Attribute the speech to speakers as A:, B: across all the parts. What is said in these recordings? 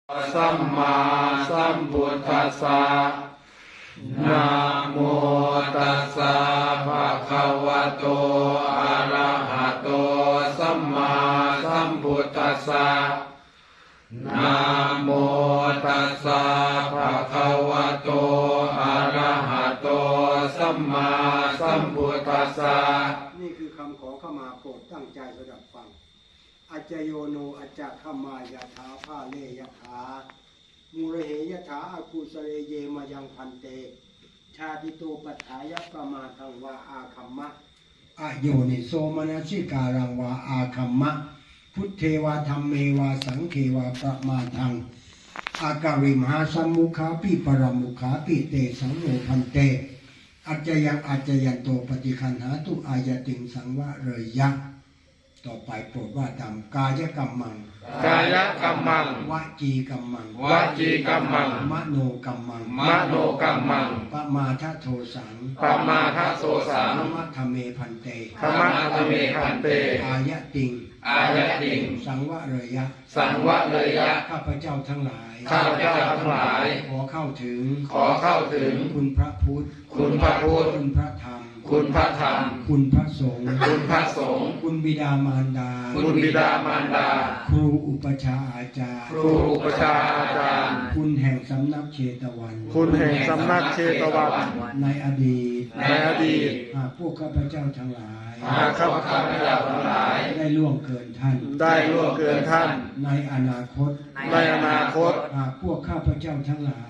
A: สัมมาสัมพุทธัสสะนะโมตัสสะภะคะวะโตอะระหะโตสัมมาสัมพุทธัสสะนะโมตัสสะภะคะวะโตอะระหะโตสัมมาสัมพุทธัสสะ
B: นี่คือคำขอเข้ามาโปรดตั้งใจสดับฟังอาจโยโนอาจจะขมายะถาภาเลยะถามูระเหยะถาอากุสเรเยมายังพันเตชาติโตปัฏฐายะประมาทังวาอาคัมมะอโยนิโสมนสิการังวาอาคัมมะพุทเทวาธรรมเมวาสังเขวาประมาทังอาการิมหาสัมมุขาปิปรมุขาปิเตสังโฆพันเตอัจจยันโตปฏิคันหาตุอายติงสังวะเรยยะต่อไปโปรดว่าตามกายกรรมัง
A: กายกรรมัง
B: วจีกรรมัง
A: วจีกรรมัง
B: มโนกรรมัง
A: มโนกรรมัง
B: ปมาทโทสัง
A: ปมาทโสสัง
B: ธรรมะธเมพันเต
A: ธรรมะธเมพันเต
B: อายติงสังวะเรยยะ
A: สังวะเรยยะ
B: ข้าพเจ้าทั้งหลาย
A: ข้าพเจ้าทั้งหลาย
B: ขอเข้าถึง
A: คุณ
B: พระพุทธ
A: คุณพระพุทธ
B: คุณพระธรรม
A: คุณพระธรรม
B: คุณพระสงฆ์
A: คุณพระสงฆ์
B: คุณบิดามารดา
A: คุณบิดามารดา
B: ครูอุปชาอาจารย์
A: ครูอุปชาอาจารย์
B: คุณแห่งสำนักเชตวัน
A: คุณแห่งสำนักเชตวัน
B: ในอดีตหากพวกข้าพเจ้าทั้งหลาย
A: หากข้าพเจ้าทั้งหลาย
B: ได้ล่วงเกินท่านในอนาคตหากพวกข้าพเจ้าทั้งหลาย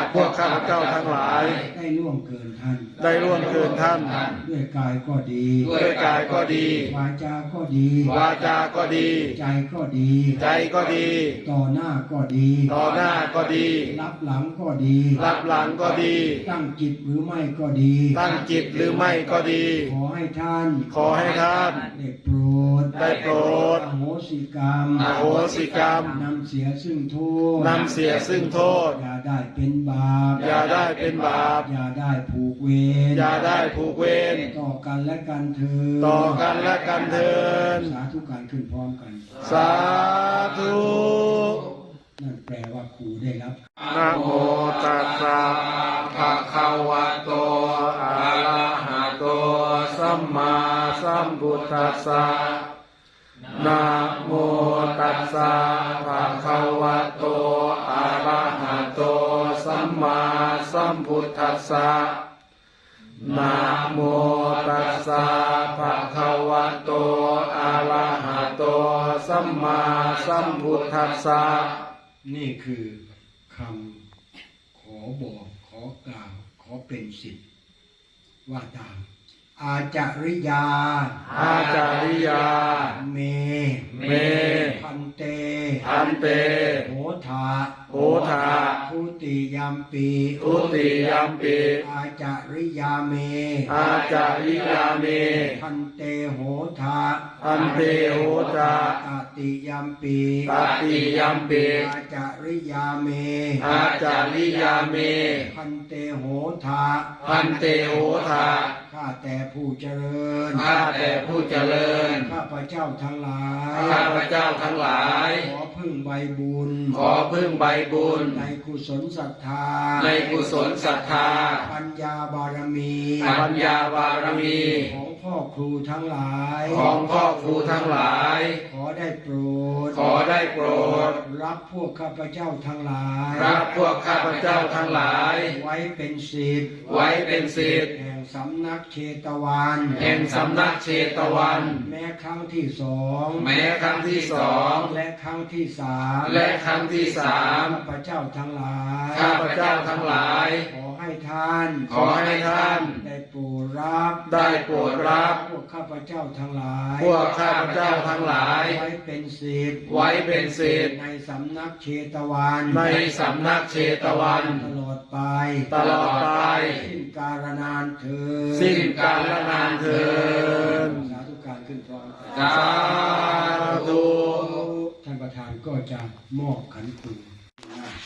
B: ได้ล่วงเกินท่านด้วยกายก็ดีวาจาก็ดีใจก็ดีต่อหน้าก็ดีรับหลังก็ดีตั้งจิตหรือไม่ก็ดีขอให้ท่านได้โปรดอโหสิกรรมนำเสียซึ่งโทษอย่าได้เป็นบาปอย่าได้ผูกเวรต่อกันและกันเถิดสาธุการขึ้นพร้อมกัน
A: สาธุ
B: นั่นแปลว่าครูได้รับ
A: นะโมตัสสะภะคะวะโตอะระหะโตสัมมาสัมพุทธัสสะนะโมตัสสะภะคะวะโตอะระหะโตสัมมาสัมพุทธัสสะนะโมตัสสะภะคะวะโตอะระหะโตสัมมาสัมพุทธัสสะ
B: นี่คือคำขอบอกขอกล่าวขอเป็นสิทธิ์ว่าตามอาจาริยาเมพันเตโหทาทุติยัมปีอาจาริยาเมพันเตโหทาตติยัมปีอาจาริยาเมพันเตโหทาข้าแต่ผู้เจริญข้าพเจ้าทั้งหลายขอพึ่งใบบุญในกุศลศรัทธาปัญญาบารมีของพ่อครูทั้งหลายขอได้โปรดรับพวกข้าพเจ้าทั้งหลายไว้เป็นศิษย์แห่งสำนักเชตวันแม้ครั้งที่สองและครั้งที่สามข้าพเจ้าทั้งหลายขอให้ท่านได้โปรดรับพวกข้าพเจ้าทั้งหลายไว้เป็นศิษย์ในสำนักเชตวันตลอดไปสิ้นกาลนานเถิดสาธุการขึ้นพร้อม
A: สาธุ
B: ท่านประธานก็จะมอบขันครู